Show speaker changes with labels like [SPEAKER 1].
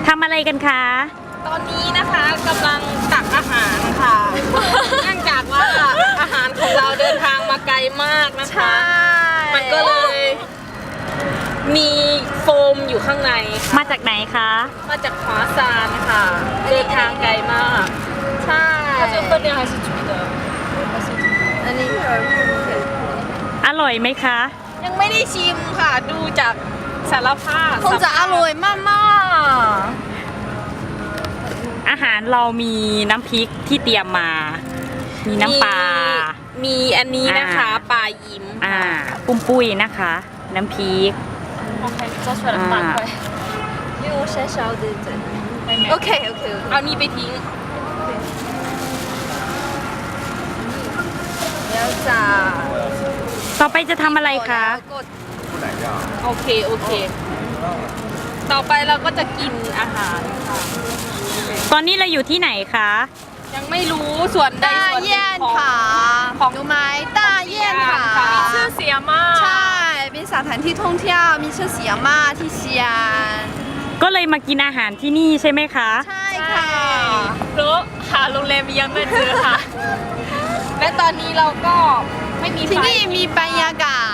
[SPEAKER 1] ทำอะไรกันคะ
[SPEAKER 2] ตอนนี้นะคะกำลังตักอาหารค่ะเนื่องจากว่าอาหารของเราเดินทางมาไกลมากนะคะ มันก็เลยมีโฟมอยู่ข้างในค่ะ
[SPEAKER 1] มาจากไหนคะ
[SPEAKER 2] มาจากขวาซานค่ะ เดินทางไกลมาก
[SPEAKER 3] ใช่
[SPEAKER 2] 它这个分量还是足的
[SPEAKER 3] อันนี้
[SPEAKER 1] อร่อยไหมคะ
[SPEAKER 2] ยังไม่ได้ชิมค่ะ ดูจากสารภาพ
[SPEAKER 3] คงจะอร่อยมาก
[SPEAKER 1] อาหารเรามีน้ำพริกที่เตรียมมา มีน้ำปลา
[SPEAKER 2] มีอันนี้นะคะ
[SPEAKER 1] อ่า
[SPEAKER 2] ปลายิ้ม
[SPEAKER 1] ปุ้มปุ้ยนะคะ น้ำพริก
[SPEAKER 2] 做出来的大块
[SPEAKER 3] ๆ因为我先烧的这OK OK
[SPEAKER 2] เอานี่ไปทิ้ง
[SPEAKER 3] แล้วจ้า
[SPEAKER 1] ต่อไปจะทำอะไรคะ
[SPEAKER 3] กด
[SPEAKER 2] โอเคโอเค ต่อไปเราก็จะกินอาหารค่ะ
[SPEAKER 1] ตอนนี้เราอยู่ที่ไหนคะ
[SPEAKER 2] ยังไม่รู้ส่วนใด
[SPEAKER 3] 大
[SPEAKER 2] ส่วนหนึ่ง
[SPEAKER 3] 雁
[SPEAKER 2] ของ
[SPEAKER 3] 塔รู้ไหม大雁塔
[SPEAKER 2] ชื่อเสียมาก
[SPEAKER 3] ใช่เป็นสถานที่ท่องเที่ยวมีชื่อเสียงมากที่เชียง
[SPEAKER 1] ก็เลยมากินอาหารที่นี่ใช่ไหมคะ
[SPEAKER 3] ใช่ค่ะ
[SPEAKER 2] เพราะหาโรงแรมยังไม่เจอค่ะ และตอนนี้เราก็ไม่มีไฟ
[SPEAKER 3] ที่นี่มีบรรยากาศ